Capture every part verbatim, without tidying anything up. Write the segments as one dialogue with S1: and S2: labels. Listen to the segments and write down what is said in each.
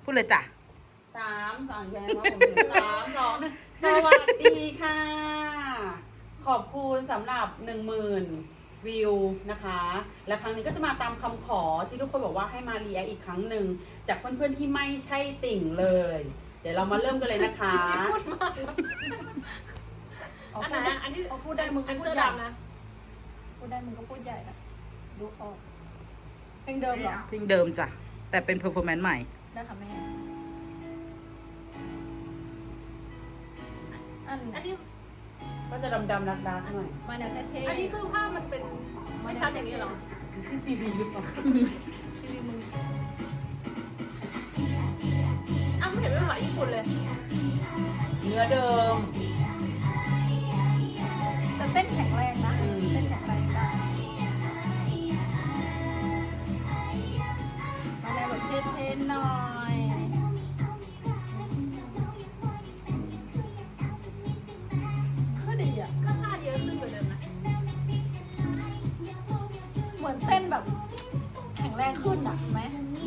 S1: พูดเลยจ้ะ
S2: สามสองแค่ว่าผมสามสองหนึ่งสวัสดีค่ะ ขอบคุณสำหรับหนึ่งหมื่นวิวนะคะ และครั้งนี้ก็จะมาตามคำขอที่ทุกคนบอกว่าให้มารีแอคอีกครั้งหนึ่งจากเพื่อนๆที่ไม่ใช่ติ่งเลย เดี๋ยวเรามาเริ่มกันเลยนะคะ
S3: พูดมากอันไหนอ่ะอันที่พูดได้มึงอันเสื้อดำนะพูดได้มึงก็พูดใหญ่นะดูออกเพลงเดิมเหรอ
S1: เพลงเดิมจ้ะแต่เป็นเพอร์ฟอร์แมนซ์ใหม่
S3: ได้ค่ะแม่อันอันนี้
S2: ก็จะดำๆรักๆหน่อย
S3: มาแนวเท่ๆอันนี้คือภาพมันเป็นไม่ชัดอย่างนี้หรอ
S2: ขึ้นซีบีหรือเปล่า
S3: ซีบีมึงอ้าวไม่เห็นเป็นภาษาญี่ปุ่นเลย
S2: เนื้อเดิม
S3: แต่เต้นแข็งแรงนะเต้นแข็งแรงได้มาแนวแบบเท่ๆหน่อยก็ดีอ่ะก็ท่าเยอะขึ้นกว่าเดิมนะเหมือนเต้นแบบแข็งแรงขึ้นอ่ะไหม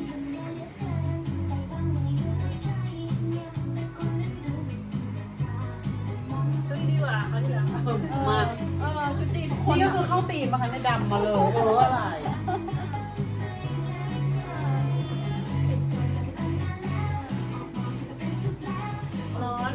S3: ชุดดีกว่าเขาที่แล้ว
S2: มา
S3: เออชุดดีทุกคน
S2: นี่ก็คือเข้าตีมมาค่ะในดำมาเลยเอออะไร
S3: ร้อน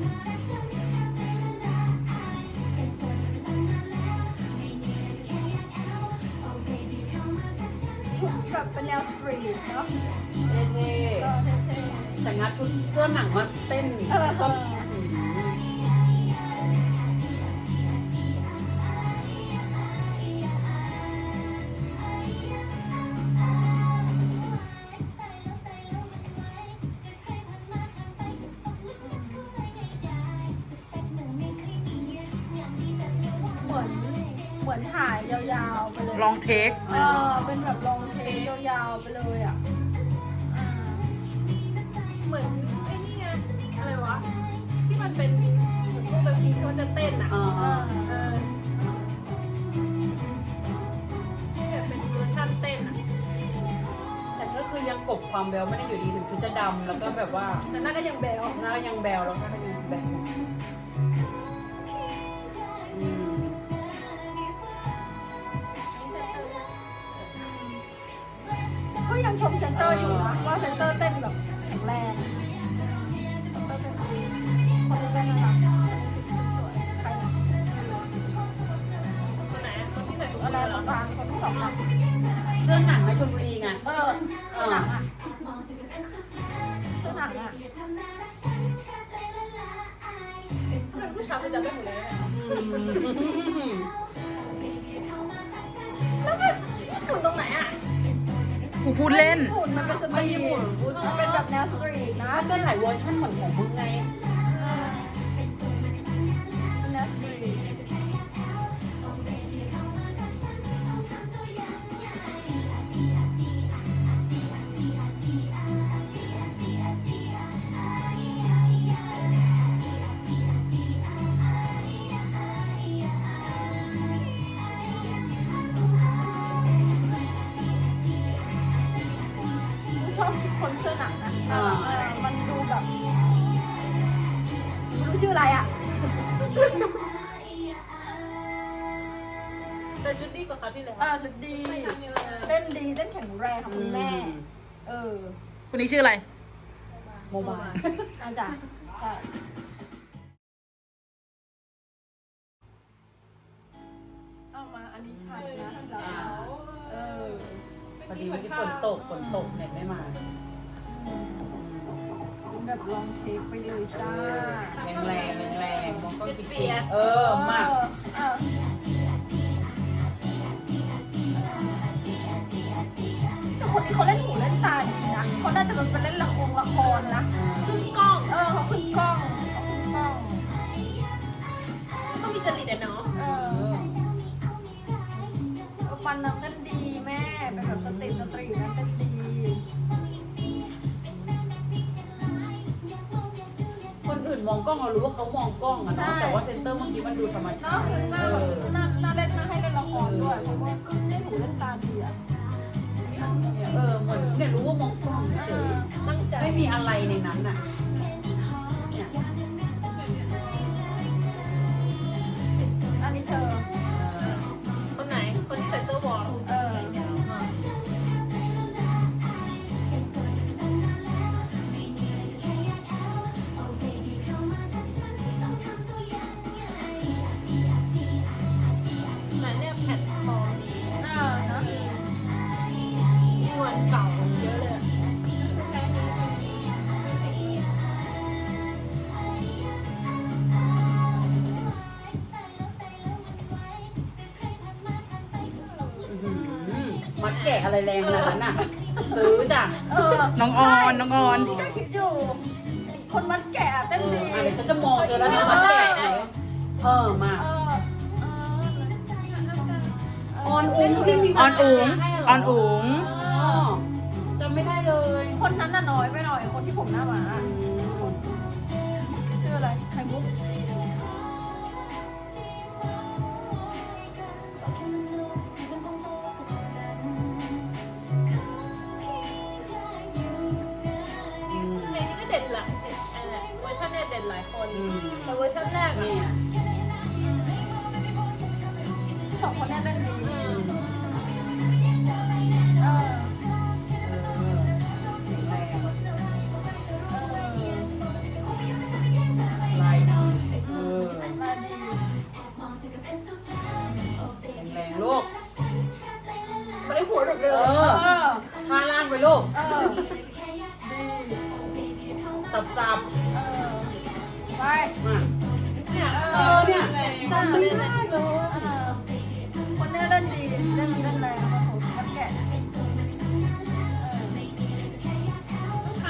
S3: ชุดแบบเป็นแนวสตรีทเนาะ
S2: เท่ๆแต่งัดชุดเสื้อหนังมาเต้นก็
S3: เหมือนถ่ายยาวๆไปเลย
S1: ลองเทค
S3: เออเป็นแบบลองเทคยาวๆไปเลยอ่ะเหมือนไอ้นี่ไงอะไรวะที่มันเป็นเหมือนพวกแบบที่เขาจะเต้นอ่ะเออเออแบบเป็นเวอร์ชันเต้นอ่ะ
S2: แต่ก็คือยังกบความแบลไม่ได้อยู่ดีถึงชุดจะดำแล้วก็แบบว่า
S3: แต่หน้าก็ยังแบล
S2: หน้ายังแบลแล้วก็ยังแบล
S3: ก็ยังชมเซนเตอร์อยู่นะว่าเซนเตอร์เต้นแบบแข็งแรงเซนเตอร์เต้นดีคนที่เต้นน่ารักสวยใครนะคนไหนคนที่ใส่ถุงอะไรบางๆคนที่สองอ่ะ
S2: เรื่องหนังในชลบุรีไง
S3: เออเรื่องหนังอ่ะเรื่องหนังอ่ะเป็นผู้ชายคือจะไม่หมดเลยแล้วมันถุงตรงไหนอ่ะ
S1: กูพูดเล่น
S3: หุ่นมันเป็นสตรีทมันเป็นแบบแนวสตรีทนะ
S2: มันเป็นหลายเวอร์ชันเหมือนของมึงไง
S3: แนวสตรีทชอบคนเสื้อหนังนะมันดูแบบไม่รู้ชื่ออะไรอ่ะแต่ชุดดีกว่าเขาที่แล้วอ่าชุดดีเต้นดีเต้นแข็งแรงของคุณแม่เออ
S1: คนนี้ชื่ออะไร
S2: โมบาย
S3: อาจารย์ใช่เอามาอันนี้ชัดนะเออ
S2: พอดีวันที่ฝนตกฝนตกเน็ตไม่มา
S3: แบบลองเทคไปเลยจ้า
S2: แรงแรงแรงแรงมองก็ติดเออมาก
S3: แต่คนนี้เขาเล่นหูเล่นตาดีนะเขาน่าจะเป็นเล่นละครละครนะขึ้นกล้องเออเขาขึ้นกล้องเขาขึ้นกล้องต้องมีจริตอะเนาะเออมันนั้นกันดีแม่เป็นแบบสตรีทสตรีทนั้นกันดี
S2: คนอื่นมองกล้องเรารู้ว่าเขามองกล้องอะนะแต่ว่าเซนเตอร์บางทีมันดูธรรมชาติ
S3: หน้าหน้าหน้าเล่นหน้าให้เล่นละครด้วยเพราะว่าเล่นหูเล่นตาดีอะ
S2: เอเออเหมือนเนี่ยรู้ว่ามองกล้อง
S3: เอ
S2: เฉ
S3: อย ตั้งใจ
S2: ไม่มีอะไรในนั้นน่ะเนี่ย
S3: อันนี้เชอร์
S4: คนไหน คนที่ใส่เสื้อวอล
S3: เออ
S4: ไหนเนี่ยแผ่นทอง
S3: เออเนาะ
S4: มีวันเก่าเยอะเลยอะ
S3: ไม่ใช่อันนี้
S2: อื้อหือมัดแกะอะไรแรงขนาดนั้นน่ะ ซื้อจ้ะ
S3: เออ
S1: น้องออนน้องออน
S3: นี่ก็คิดอยู่ คนมัดแกะเต้นดี
S2: อ่ะเดี๋ยวฉันจะมองเธอแล้วนะมัดแกะไหนเออมา
S3: เออเออ
S2: ออนอุ้งที่มี
S1: ออนอุ๋ง
S2: ให้เหร
S1: ออนอุ๋ง
S2: อ๋อจำไม่ได้เลย
S3: คนนั้นน่ะน้อยไปหน่อย คนที่ผมหน้าหมาชื่ออะไรไข่มุก
S2: อืม
S4: เพลงนี้ก็เด็ดหลายเด็ดอะไรเวอร์ชันเนี่ยเด็ดหลายคน
S2: อืม
S4: แต่เวอร์ชันแรกอะ
S2: เนี่ย
S3: สองคนเนี้เต้นดี
S4: อื
S2: อื
S4: ม
S2: ม
S3: เออ
S2: เออแรง
S3: เออ
S2: ลายดีเออ
S3: มาดี
S2: แรงๆลูก
S3: ไม่ได้หัวหลุดเลย
S2: เออ
S3: เออ
S2: ท่าล่างไปลูก
S3: เออ ดี
S2: สับสับ
S3: เออ ไป
S2: ๆมา
S4: เนี่ย
S2: เออเนี่ยจำไม่ได้เลย
S3: เออคนเนี้ยเล่นดีเล่นเล่นแรงมาผมมัดแกะเออ
S4: เขา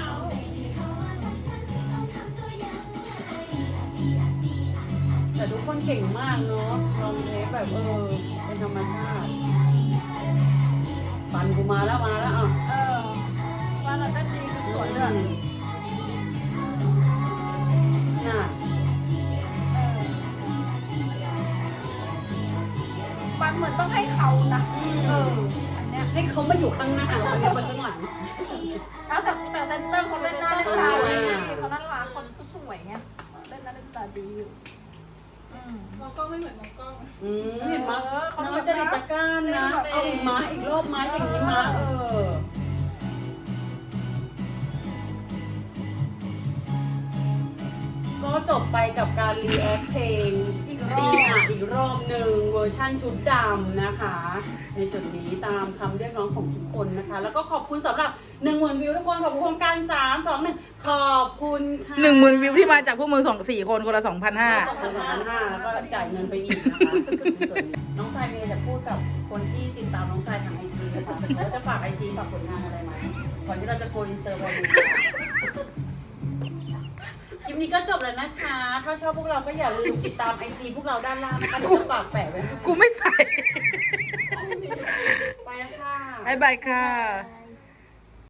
S2: แต่ทุกคนเก่งมากเนาะลองเทปแบบเออเป็นธรรมชาติปันกูมาแล้วมาแล้วอ่ะ
S3: เออว่าเราเต้นดีคือสวยเลย
S2: น่ะ
S3: ปันเหมือนต้องให้เขานะเอออันเนี้ย
S2: ให้เขามาอยู่ข้างหน้าวันนี้มาข้างหลัง
S3: แล้วแต่แต่เซนเตอร์เขาเล่นหน้าเล่นตาดีเขาน่ารักคนสวยๆเงี้ยเล่นหน้าเล่นตาดีอยู่อืม
S4: มองกล้องไม่เหมือนมองกล้อง
S2: อืมเห็นไหม
S3: เออเขา
S2: น้องจะดิจักก้านนะ เอาอีกม้าอีกรอบม้าอย่างนี้ม้าเออ ก็จบไปกับการรีแอคเพลง
S3: อีกร
S2: ดี
S3: อบ
S2: อ่ะอีกรอบหนึ่งเวอร์ชั่นชุดดำนะคะ ในจุดนี้ตามคำเรียกร้องของทุกคนนะคะ แล้วก็ขอบคุณสำหรับหนึ่งหมื่นวิวทุกคนขอบคุณโครงการสามสองหนึ่งขอบคุณค่ะ
S1: หนึ่งหมื่นวิวที่มาจากพวกมึงสองสี่คนคนละสองพันห้า
S2: สองพันห้าแล้วก็จ่ายเงินไปอีกนะคะในส่วนนี้น้องชายมีอะไรจะพูดกับคนที่ติดตามน้องชายทางไอจีนะคะแล้วจะฝากไอจีฝากผลงานอะไรไหมก่อนที่เราจะโกอินเตอร์วันนี้คลิปนี้ก็จบแล้วนะคะ ถ้าชอบพวกเราก็อย่าลืมติดตามไอจีพวกเราด้านล่างนะคะเดี๋ยวจะฝากแปะไว้ให้
S1: กูไม่ใส่
S2: ไปแล้วค่ะ
S1: บายบายค่ะ